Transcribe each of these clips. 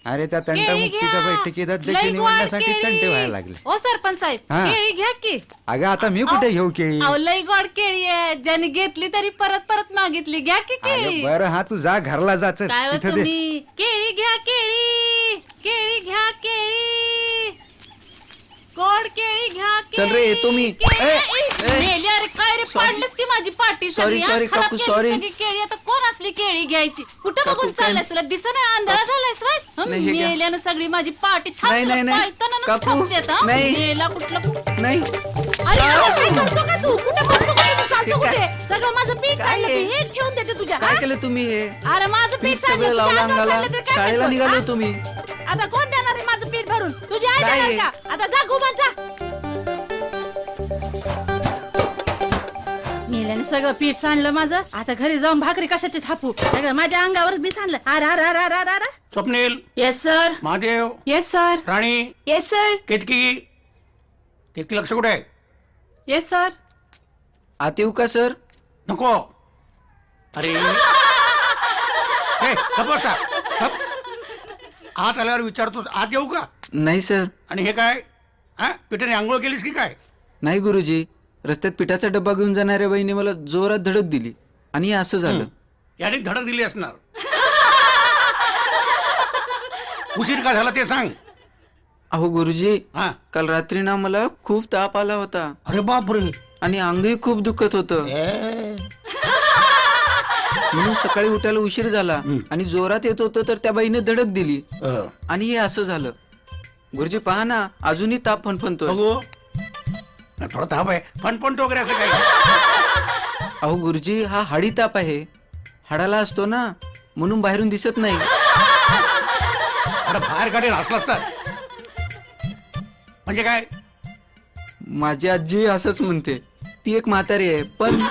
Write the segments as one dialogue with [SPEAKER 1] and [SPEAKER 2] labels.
[SPEAKER 1] अरे त्या
[SPEAKER 2] केळी
[SPEAKER 1] तंटामुक्तीच्या
[SPEAKER 2] घ्या.
[SPEAKER 1] बैठकीत
[SPEAKER 2] लई
[SPEAKER 1] अध्यक्ष
[SPEAKER 2] गोड
[SPEAKER 1] निवडण्यासाठी
[SPEAKER 2] केळी.
[SPEAKER 1] तंटे व्हायला लागले.
[SPEAKER 2] ओ सरपंच साहेब
[SPEAKER 1] हा.
[SPEAKER 2] केळी घ्या की.
[SPEAKER 1] अगं आता मी कुठे घेऊ केळी?
[SPEAKER 2] अहो लई गोड केळी आहे, ज्याने घेतली तरी परत परत मागितली. घ्या की
[SPEAKER 1] अगं
[SPEAKER 2] केळी.
[SPEAKER 1] बरं हा तू जा घरला जाच
[SPEAKER 2] काय हो
[SPEAKER 1] तिथं दे.
[SPEAKER 2] तुम्ही केळी घ्या केळी, केळी घ्या केळी, गोड केळी घ्या केळी.
[SPEAKER 3] चल रे, येतो मी.
[SPEAKER 2] केळी.
[SPEAKER 3] ए,
[SPEAKER 2] मेली, अरे काय रे, पाडलंस की माझी पाटी
[SPEAKER 3] Sorry,
[SPEAKER 2] सगळी, हा?
[SPEAKER 3] sorry,
[SPEAKER 2] खराब
[SPEAKER 3] काकू,
[SPEAKER 2] केलीस
[SPEAKER 3] sorry.
[SPEAKER 2] सगळी केळी. आता कोण असली केळी घ्यायची? कुठं
[SPEAKER 3] काकू,
[SPEAKER 2] बघून
[SPEAKER 3] काय-
[SPEAKER 2] चाललाय तुला? दिसत नाही, आंधळा झालायस व्हय? हं,
[SPEAKER 3] नाही, हे घ्या.
[SPEAKER 2] मेल्यानं सगळी माझी पाटी थांब,
[SPEAKER 3] नाही,
[SPEAKER 2] तुला
[SPEAKER 3] नाही, नाही.
[SPEAKER 2] पाळताना
[SPEAKER 3] काकू,
[SPEAKER 2] छापतेत, हं?
[SPEAKER 3] नाही.
[SPEAKER 2] मेला कुठलं.
[SPEAKER 3] नाही
[SPEAKER 2] अरे काय करतो का तू? कुठे बघतो का तू? चालतो
[SPEAKER 3] हे काय-
[SPEAKER 2] कुठे? सगळं माझं पीठ
[SPEAKER 3] काय
[SPEAKER 2] सांडलं,
[SPEAKER 3] हे?
[SPEAKER 2] हे ठेवून देते तुझ्या,
[SPEAKER 3] काय
[SPEAKER 2] हा?
[SPEAKER 3] केलं तुम्ही हे?
[SPEAKER 2] अरे माझं पीठ
[SPEAKER 3] पीठ
[SPEAKER 2] सांडलं,
[SPEAKER 3] सगळं
[SPEAKER 2] तुझ्या
[SPEAKER 3] लावलं
[SPEAKER 2] अंगावर
[SPEAKER 3] अंगाला.
[SPEAKER 2] सांडलं तर काय
[SPEAKER 3] शाळेला
[SPEAKER 2] करतो,
[SPEAKER 3] निघालो
[SPEAKER 2] हा?
[SPEAKER 3] तुम्ही.
[SPEAKER 2] आता कोण देणार आहे माझं पीठ भरून? तुझी आई
[SPEAKER 3] काय
[SPEAKER 2] देणार
[SPEAKER 3] हे?
[SPEAKER 2] का? आता जा घुमान जा. मेल्याने सगळं पीठ सांडलं माझं. आता घरी जाऊन भाकरी कशाची थापू? सगळं माझ्या अंगावरच मी सांडलं. अरे अरे अरे अरे अरे.
[SPEAKER 4] Swapnil,
[SPEAKER 2] yes sir.
[SPEAKER 4] Mahadev,
[SPEAKER 2] yes sir.
[SPEAKER 4] Rani,
[SPEAKER 2] yes sir.
[SPEAKER 4] Ketaki. Ketaki लक्ष कुठे आहे?
[SPEAKER 2] Yes sir.
[SPEAKER 3] आत येऊ का सर?
[SPEAKER 4] नको. अरे गप बसा, गप. आत आल्यावर विचारतोस आत येऊ का?
[SPEAKER 3] नाही सर.
[SPEAKER 4] आणि हे काय? हा, पिठाने आंघोळ केलीस की काय?
[SPEAKER 3] नाही गुरुजी, रस्त्यात पिठाचा डब्बा घेऊन जाणाऱ्या बाईने मला जोरात धडक दिली आणि हे असं झालं.
[SPEAKER 4] याने धडक दिली असणार. उशीर का झाला ते सांग.
[SPEAKER 3] अहो गुरुजी,
[SPEAKER 4] हा.
[SPEAKER 3] काल रात्री ना मला खूप ताप आला होता
[SPEAKER 4] अरे बापरे.
[SPEAKER 3] आणि अंगही खूप दुखत होतं. म्हणून सकाळी उठायला उशीर झाला आणि जोरात येत होतं तर त्या बाईने धडक दिली आणि हे असं झालं. गुरुजी पहा ना, अजूनही ताप फणफणतोय.
[SPEAKER 4] बघू. थोडा ताप आहे, फणफणतो वगैरे असं काही.
[SPEAKER 3] अहो गुरुजी, हा हाडी ताप आहे. हाडाला असतो ना, म्हणून बाहेरून दिसत नाही.
[SPEAKER 4] अरे बाहेर काढेल असलास तर. म्हणजे काय?
[SPEAKER 3] माझी आजी असंच म्हणते. ती एक म्हातारी आहे पण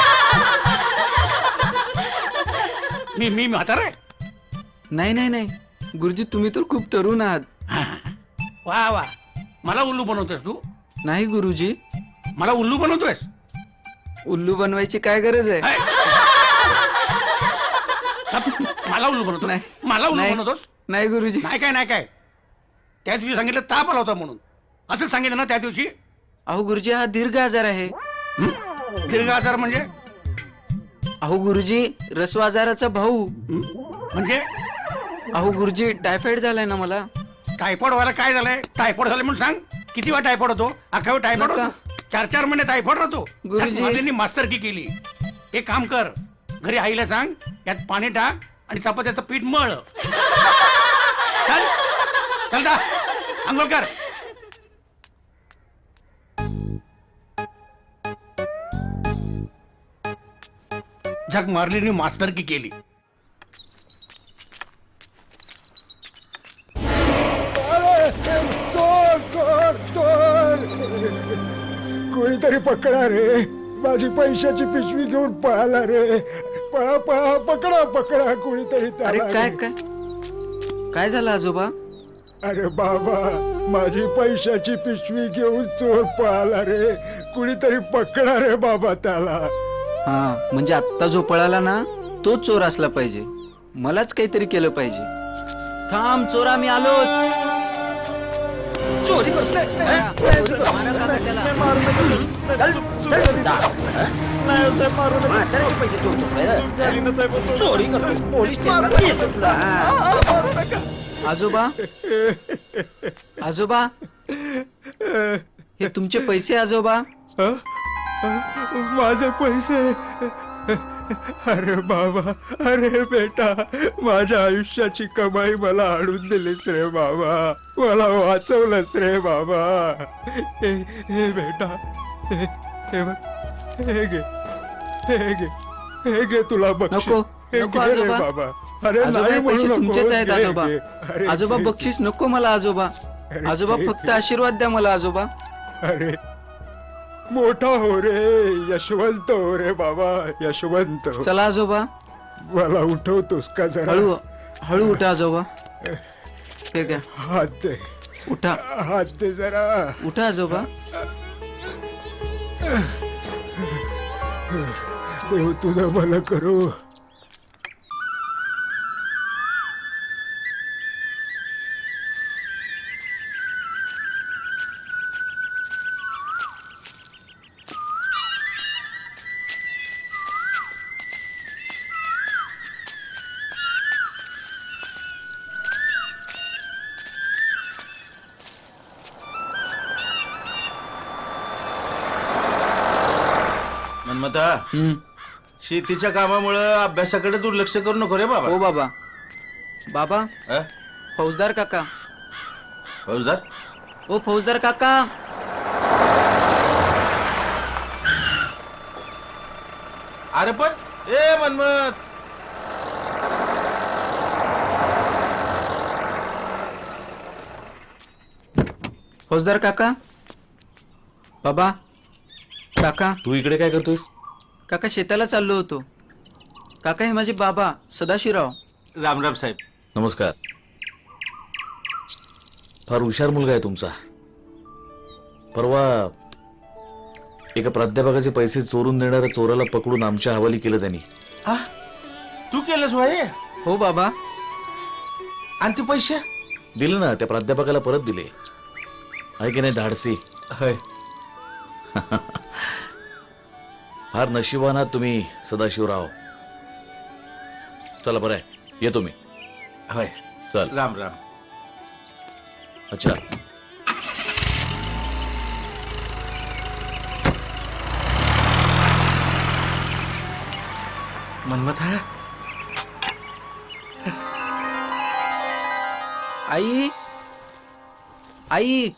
[SPEAKER 4] मी म्हातारा आहे?
[SPEAKER 3] नाही नाही नाही गुरुजी, तुम्ही तर खूप तरुण आहात.
[SPEAKER 4] वा वा. मला उल्लू बनवतोस तू?
[SPEAKER 3] नाही गुरुजी,
[SPEAKER 4] मला उल्लू बनवतोयस?
[SPEAKER 3] उल्लू बनवायची काय गरज आहे?
[SPEAKER 4] हाय. मला उल्लू बनवतो?
[SPEAKER 3] नाही.
[SPEAKER 4] मला उल्लू
[SPEAKER 3] नाही.
[SPEAKER 4] बनवतोस?
[SPEAKER 3] नाही गुरुजी.
[SPEAKER 4] नाही काय, नाही काय. त्या दिवशी सांगितलं ताप आला होता म्हणून. असंच सांगितलं ना त्या दिवशी?
[SPEAKER 3] अहो गुरुजी, हा दीर्घ आजार आहे.
[SPEAKER 4] हं? दीर्घ आजार म्हणजे?
[SPEAKER 3] अहो गुरुजी, रस्व आजाराचा भाऊ.
[SPEAKER 4] हं? म्हणजे
[SPEAKER 3] अहो गुरुजी, टायफॉइड झालाय ना मला.
[SPEAKER 4] टायफॉइड व्हायला काय झालंय? टायफॉइड झालं म्हणून सांग. किती वेळा टायफॉइड होतो? अख्खा वेळ टायफॉइड
[SPEAKER 3] नका.
[SPEAKER 4] होतो? 4-4 महिने टायफॉइड राहतो.
[SPEAKER 3] गुरुजी.
[SPEAKER 4] माझ्यांनी मास्तरकी केली. एक काम कर, घरी आईला सांग, यात पाणी टाक आणि चपात्याचं पीठ मळ. चल चल जा, आंघोळ कर. झक मारली मास्तरकी केली.
[SPEAKER 5] चोर चोर चोर, कोणीतरी पकडा रे. माझी पैशाची पिशवी घेऊन पळाला रे. पळा पळा, पकडा पकडा कोणीतरी
[SPEAKER 3] अरे
[SPEAKER 5] त्याला
[SPEAKER 3] काय
[SPEAKER 5] रे.
[SPEAKER 3] काय काय झालं आजोबा?
[SPEAKER 5] अरे बाबा, माझी पैशाची पिशवी घेऊन चोर पळाला रे. कुणीतरी पकडा रे बाबा त्याला.
[SPEAKER 3] हा, म्हणजे आत्ता जो पळाला ना, तोच चोर असला पाहिजे. मलाच काहीतरी केलं पाहिजे. थांब चोरा, मी आलोच. चोरी करतोय. मारा काका त्याला. आजोबा, आजोबा, हे तुमचे पैसे आजोबा.
[SPEAKER 5] हं? माझे पैसे. अरे बाबा, अरे बेटा, माझ्या आयुष्याची कमाई मला आणून दिलीस रे बाबा. मला वाचवलंस रे बाबा. हे बेटा, हे बघ, हे घे, हे घे, हे घे तुला बक्षीस.
[SPEAKER 3] नको,
[SPEAKER 5] हे
[SPEAKER 3] नको
[SPEAKER 5] घे रे
[SPEAKER 3] आजोबा.
[SPEAKER 5] बाबा. अरे
[SPEAKER 3] आजोबा,
[SPEAKER 5] नाही
[SPEAKER 3] हे
[SPEAKER 5] म्हणू
[SPEAKER 3] पैसे
[SPEAKER 5] नको.
[SPEAKER 3] तुमचेच आहेत
[SPEAKER 5] घे,
[SPEAKER 3] आजोबा.
[SPEAKER 5] घे. अरे
[SPEAKER 3] आजोबा
[SPEAKER 5] घे,
[SPEAKER 3] बक्षीस नको मला आजोबा.
[SPEAKER 5] अरे
[SPEAKER 3] आजोबा
[SPEAKER 5] घे,
[SPEAKER 3] फक्त
[SPEAKER 5] घे.
[SPEAKER 3] आशीर्वाद द्या मला आजोबा.
[SPEAKER 5] अरे मोठा हो रे, यशवंत हो रे बाबा, यशवंत.
[SPEAKER 3] चला आजोबा,
[SPEAKER 5] मला उठवतोस का जरा?
[SPEAKER 3] हळू हळू उठा आजोबा. हे घ्या,
[SPEAKER 5] हात दे,
[SPEAKER 3] उठा
[SPEAKER 5] हात दे जरा.
[SPEAKER 3] उठा आजोबा.
[SPEAKER 5] देव तुझं भलं करू.
[SPEAKER 6] मन्मथा
[SPEAKER 3] हम्म.
[SPEAKER 6] शेतीच्या कामामुळे अभ्यासाकडे दुर्लक्ष करू नको रे बाबा.
[SPEAKER 3] हो बाबा. बाबा,
[SPEAKER 6] अ?
[SPEAKER 3] फौजदार काका.
[SPEAKER 6] फौजदार
[SPEAKER 3] ओ फौजदार काका.
[SPEAKER 6] अरे पण ए मन्मथ,
[SPEAKER 3] फौजदार काका. बाबा. काका.
[SPEAKER 7] तू इकडे काय करतोयस?
[SPEAKER 3] काका शेताला चाललो होतो. काका हे माझे बाबा सदाशिवराव.
[SPEAKER 6] रामराम साहेब.
[SPEAKER 7] नमस्कार. फार हुशार मुलगा आहे तुमचा. परवा एका प्राध्यापकाचे पैसे चोरून देणाऱ्या चोराला पकडून आमच्या हवाली केलं त्यांनी.
[SPEAKER 6] हा तू केलंस भाई?
[SPEAKER 3] हो बाबा.
[SPEAKER 6] आणि ते पैसे
[SPEAKER 7] दिले ना, त्या प्राध्यापकाला परत दिले. आहे की नाही धाडसी?
[SPEAKER 6] होय.
[SPEAKER 7] फार नशिबान आहात तुम्ही सदाशिवराव. चला बरं आहे, येतो मी.
[SPEAKER 6] होय.
[SPEAKER 7] चल.
[SPEAKER 6] राम राम.
[SPEAKER 7] अच्छा.
[SPEAKER 6] मन्मथा
[SPEAKER 3] आई. आई.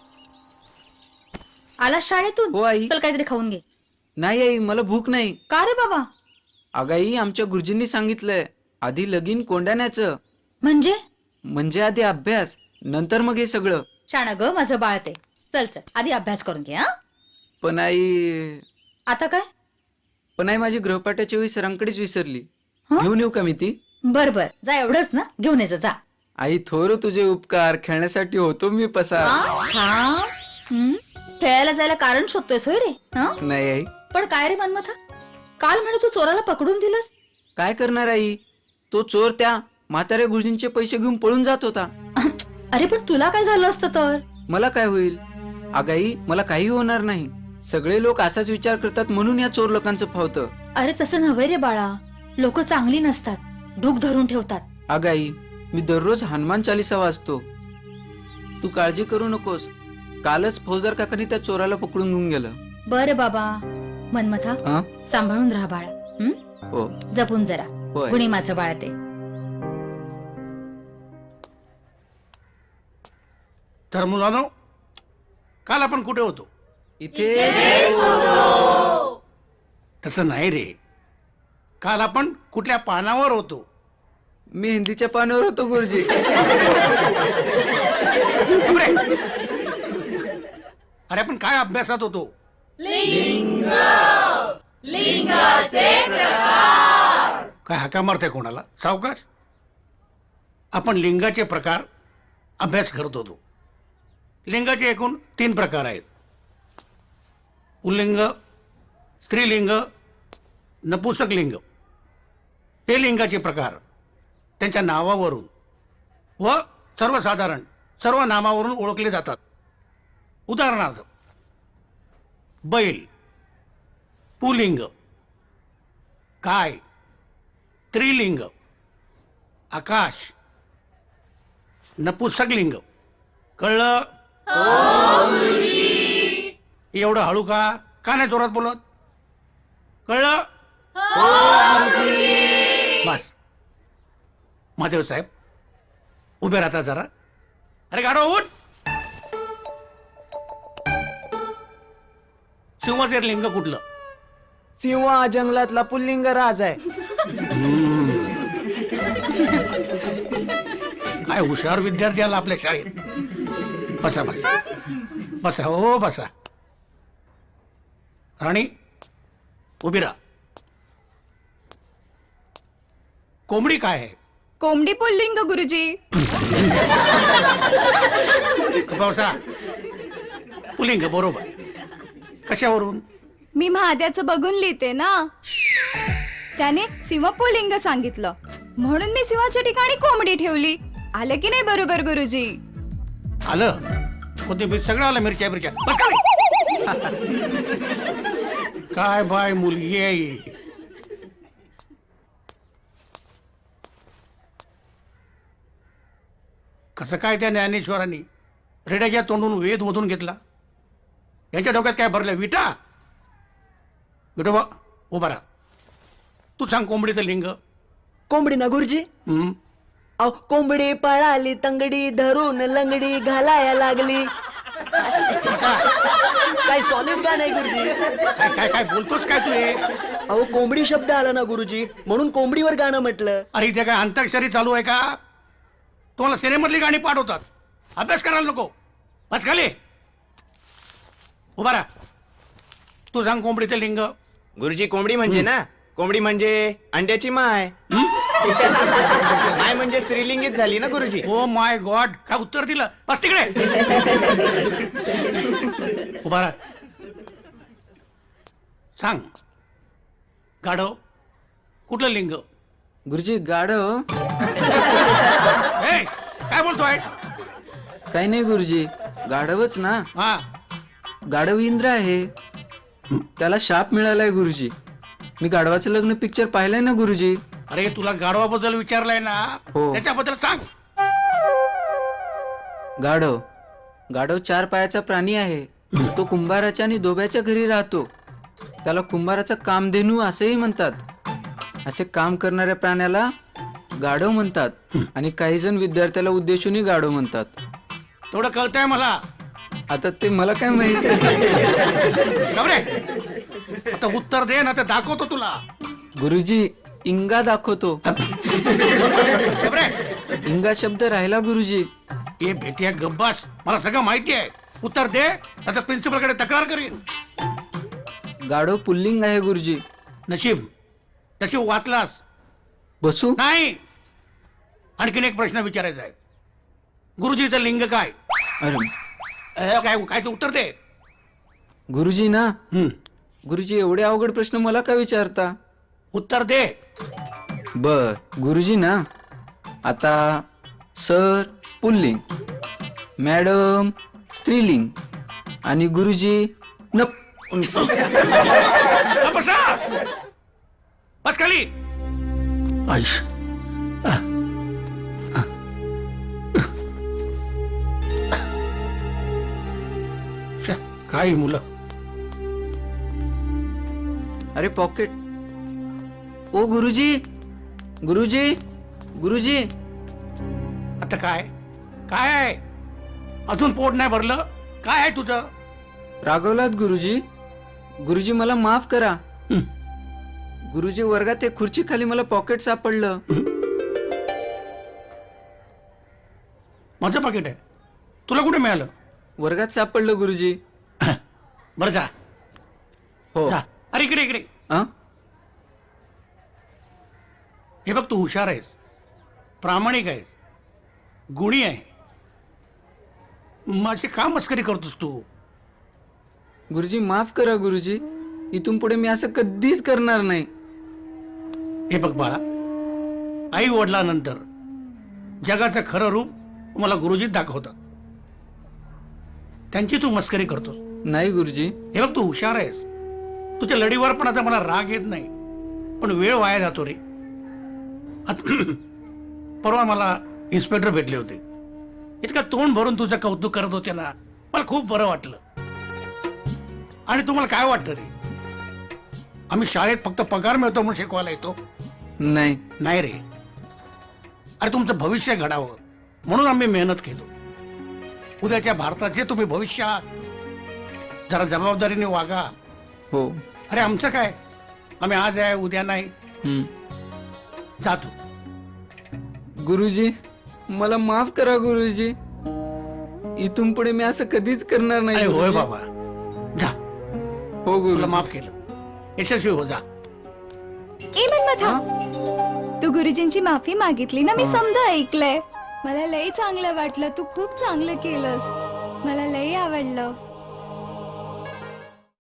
[SPEAKER 2] आला शाळेतून?
[SPEAKER 3] हो आई.
[SPEAKER 2] चल काहीतरी खाऊन घे.
[SPEAKER 3] नाही आई, मला भूक नाही.
[SPEAKER 2] का रे बाबा?
[SPEAKER 3] अगं आई, आमच्या गुरुजींनी सांगितलंय आधी लगीन कोंडाण्याचं. म्हणजे आधी अभ्यास, नंतर मग हे सगळं.
[SPEAKER 2] शाणा ग माझं बाळ ते. चल चल आधी अभ्यास करून घे. हा
[SPEAKER 3] पण आई.
[SPEAKER 2] आता काय?
[SPEAKER 3] पण आई, माझी गृहपाठाच्या वेळी सरांकडेच विसरली.
[SPEAKER 2] हं?
[SPEAKER 3] घेऊन येऊ का मी ती?
[SPEAKER 2] बर बर, जा एवढंच ना, घेऊन यायचं जा.
[SPEAKER 3] आई थोर तुझे उपकार, खेळण्यासाठी होतो मी पसार.
[SPEAKER 2] हा? हं? खेळायला जायला कारण शोधतोयस होय रे? हं?
[SPEAKER 3] नाही आई.
[SPEAKER 2] पण काय रे मनमथा, काल म्हणे तू चोराला पकडून दिलंस.
[SPEAKER 3] काय करणार आई, तो चोर त्या म्हाताऱ्या गुरुजींचे पैसे घेऊन पळून जात होता.
[SPEAKER 2] अरे पण तुला काय झालं असतं तर?
[SPEAKER 3] मला काय होईल आगाई, मला काही होणार नाही. सगळे लोक असाच विचार करतात म्हणून या चोर लोकांचं फावतं.
[SPEAKER 2] अरे तसं नव्हे रे बाळा, लोक चांगली नसतात, ढूक धरून ठेवतात.
[SPEAKER 3] आगाई, मी दररोज हनुमान चालीसा वाचतो. तू काळजी करू नकोस. कालच फौजदार काकांनी त्या चोराला पकडून घेऊन गेलं.
[SPEAKER 2] बरं बाबा. मनमथा,
[SPEAKER 3] हा?
[SPEAKER 2] सांभाळून राहा बाळा. हं?
[SPEAKER 3] हो.
[SPEAKER 2] जपून जरा.
[SPEAKER 3] होय.
[SPEAKER 2] गुणी माझं बाळ ते.
[SPEAKER 4] तर मुलांनो, काल आपण कुठे होतो?
[SPEAKER 3] इथे.
[SPEAKER 4] तसं नाही रे, काल आपण कुठल्या पानावर होतो?
[SPEAKER 3] मी हिंदीच्या पानावर होतो गुरुजी.
[SPEAKER 4] अरे आपण काय अभ्यासात होतो? काय हाका मारते कोणाला? सावकाश. आपण लिंगाचे प्रकार अभ्यास करत होतो. लिंगाचे एकूण 3 प्रकार आहेत: पुल्लिंग, स्त्रीलिंग, नपुंसक लिंग. हे लिंगाचे प्रकार त्यांच्या नावावरून व सर्वसाधारण सर्व नामावरून ओळखले जातात. उदाहरणार्थ, बैल पुल्लिंग, काय स्त्रीलिंग, आकाश नपुंसक लिंग. कळलं? एवढं हळू का नाही जोरात बोलत? कळलं? बस. महादेव साहेब उभे राहता जरा. अरे गाडो उठ. सिंहाचे लिंग कुठलं?
[SPEAKER 8] सिंह हा जंगलातला पुल्लिंग राज आहे.
[SPEAKER 4] काय हुशार विद्यार्थी आला आपल्या शाळेत. बसा बसा बसा. हो बसा. राणी उभी राहा. कोंबडी काय आहे?
[SPEAKER 9] कोंबडी पुल्लिंग गुरुजी.
[SPEAKER 4] बसा. पुल्लिंग बरोबर. कशावरून?
[SPEAKER 9] मी महाद्याचं बघून लिहिते ना, त्याने सिंह पुल्लिंग सांगितलं म्हणून मी सिंहाच्या ठिकाणी कोंबडी ठेवली. आलं की नाही बरोबर गुरुजी?
[SPEAKER 4] आलं. कोथिंबीर सगळं आलं. मिरच्या मिरच्या. बस का रे? काय बाय मुलगी आहे. कसं काय त्या ज्ञानेश्वरांनी रेड्याच्या तोंडून वेद मधून घेतला? यांच्या डोक्यात काय भरलं? विटा? विठोबा उभा राहा. तू सांग कोंबडीचं लिंग.
[SPEAKER 8] कोंबडी ना गुरुजी.
[SPEAKER 4] हं?
[SPEAKER 8] अहो कोंबडी पळाली तंगडी धरून लंगडी घालाया लागली. काय सॉलिड गाणं आहे गुरुजी.
[SPEAKER 4] काय काय काय बोलतोस काय तू हे?
[SPEAKER 8] अहो कोंबडी शब्द आला ना गुरुजी, म्हणून कोंबडीवर गाणं म्हटलं.
[SPEAKER 4] अरे इथे काय अंताक्षरी चालू आहे का? तुम्हाला सिनेमातली गाणी पाठवतात. अभ्यास करायला नको. बस खाली. उभा राहा. तू सांग कोंबडीचं लिंग.
[SPEAKER 8] गुरुजी कोंबडी म्हणजे ना, कोंबडी म्हणजे अंड्याची माय. माय म्हणजे स्त्रीलिंगीच झाली ना गुरुजी.
[SPEAKER 4] ओ माय गॉड, काय उत्तर दिलं. बस तिकडे. उभा राहा. सांग गाढव कुठलं लिंग.
[SPEAKER 3] गुरुजी गाढव.
[SPEAKER 4] ए, काय बोलतोय.
[SPEAKER 3] काही नाही गुरुजी, गाढवच ना.
[SPEAKER 4] हा,
[SPEAKER 3] गाढव इंद्र आहे, त्याला शाप मिळालाय गुरुजी. मी गाढवाचं लग्न पिक्चर पाहिलंय ना गुरुजी.
[SPEAKER 4] अरे तुला गाढवाबद्दल विचारलंय ना,
[SPEAKER 3] हो.
[SPEAKER 4] त्याच्याबद्दल सांग.
[SPEAKER 3] गाढव गाढव 4 पायाचा प्राणी आहे. तो कुंभाराच्या आणि दोब्याच्या घरी राहतो. त्याला कुंभाराचा कामधेनू असेही म्हणतात. असे काम करणाऱ्या प्राण्याला गाढव म्हणतात आणि काही जण विद्यार्थ्याला उद्देशूनही गाढव म्हणतात.
[SPEAKER 4] तेवढं कळतंय मला.
[SPEAKER 3] आता ते मला काय माहित.
[SPEAKER 4] जाऊ रे. आता उत्तर दे ना, ते दाखवतो तुला.
[SPEAKER 3] गुरुजी इंगा दाखवतो.
[SPEAKER 4] जाऊ रे.
[SPEAKER 3] इंगा शब्द राहिला गुरुजी.
[SPEAKER 4] ये भेटिया गब्बास, मला सगळं माहिती आहे. उत्तर दे, आता प्रिन्सिपल कडे तक्रार करीन.
[SPEAKER 3] गाढव पुल्लिंग आहे गुरुजी.
[SPEAKER 4] नशीब नशीब वाचलास.
[SPEAKER 3] बसू.
[SPEAKER 4] नाही, आणखीन एक प्रश्न विचारायचा आहे. गुरुजीचं लिंग काय.
[SPEAKER 3] अरे
[SPEAKER 4] काय काय ते उत्तर दे.
[SPEAKER 3] गुरुजी ना.
[SPEAKER 4] हं,
[SPEAKER 3] गुरुजी एवढे अवघड प्रश्न मला का विचारता.
[SPEAKER 4] उत्तर दे.
[SPEAKER 3] बर गुरुजी ना. आता सर पुल्लिंग, मॅडम स्त्रीलिंग आणि गुरुजी
[SPEAKER 4] बसा. बस खाली. आईश. काय मुलं.
[SPEAKER 3] अरे पॉकेट. ओ गुरुजी गुरुजी गुरुजी.
[SPEAKER 4] आता काय काय आहे. अजून पोट नाही भरलं. काय आहे तुझं.
[SPEAKER 3] रागवलात गुरुजी. गुरुजी मला माफ करा.
[SPEAKER 4] हं.
[SPEAKER 3] गुरुजी वर्गात एक खुर्ची खाली मला पॉकेट सापडलं.
[SPEAKER 4] माझं पाकिट आहे. तुला कुठे मिळालं.
[SPEAKER 3] वर्गात सापडलं गुरुजी.
[SPEAKER 4] बरं जा.
[SPEAKER 3] हो.
[SPEAKER 4] जा. अरे इकडे इकडे.
[SPEAKER 3] अं?
[SPEAKER 4] हे बघ, तू हुशार आहेस, प्रामाणिक आहेस, गुणी आहे. माझी का मस्करी करतोस तू.
[SPEAKER 3] गुरुजी माफ करा गुरुजी. इथून पुढे मी असं कधीच करणार नाही.
[SPEAKER 4] हे बघ बाळा, आई वडिलांनंतर जगाचं खरं रूप मला गुरुजीत दाखवतात. त्यांची तू मस्करी करतोस.
[SPEAKER 3] नाही गुरुजी.
[SPEAKER 4] हे बघ, तू हुशार आहेस. तुझ्या लढीवर पण आता मला राग येत नाही, पण वेळ वाया जातो रे. परवा मला इन्स्पेक्टर भेटले होते. इतकं तोंड भरून तुझं कौतुक करत होते ना, मला खूप बरं वाटलं. आणि तुम्हाला काय वाटतं रे, आम्ही शाळेत फक्त पगार मिळतो म्हणून शिकवायला येतो.
[SPEAKER 3] नाही.
[SPEAKER 4] नाही रे. अरे तुमचं भविष्य घडावं म्हणून आम्ही मेहनत केलो. उद्याच्या भारताचे तुम्ही भविष्य आहात. जरा जबाबदारीने वागा.
[SPEAKER 3] हो.
[SPEAKER 4] अरे आमचं काय, आम्ही आज आहे उद्या नाही.
[SPEAKER 3] हं.
[SPEAKER 4] जातो.
[SPEAKER 3] गुरुजी मला माफ करा गुरुजी. इथून पुढे मी असं कधीच करणार नाही.
[SPEAKER 4] अरे होय
[SPEAKER 3] गुरुजी.
[SPEAKER 4] बाबा, जा.
[SPEAKER 3] हो
[SPEAKER 4] तुला
[SPEAKER 3] गुरुजी.
[SPEAKER 4] माफ केलं. यशस्वी हो. जा.
[SPEAKER 9] ए मन्मथा, तू गुरुजींची माफी मागितली ना, मी समजा ऐकलंय. मला लई चांगलं वाटलं. तू खूप चांगलं केलंस. मला लई आवडलं.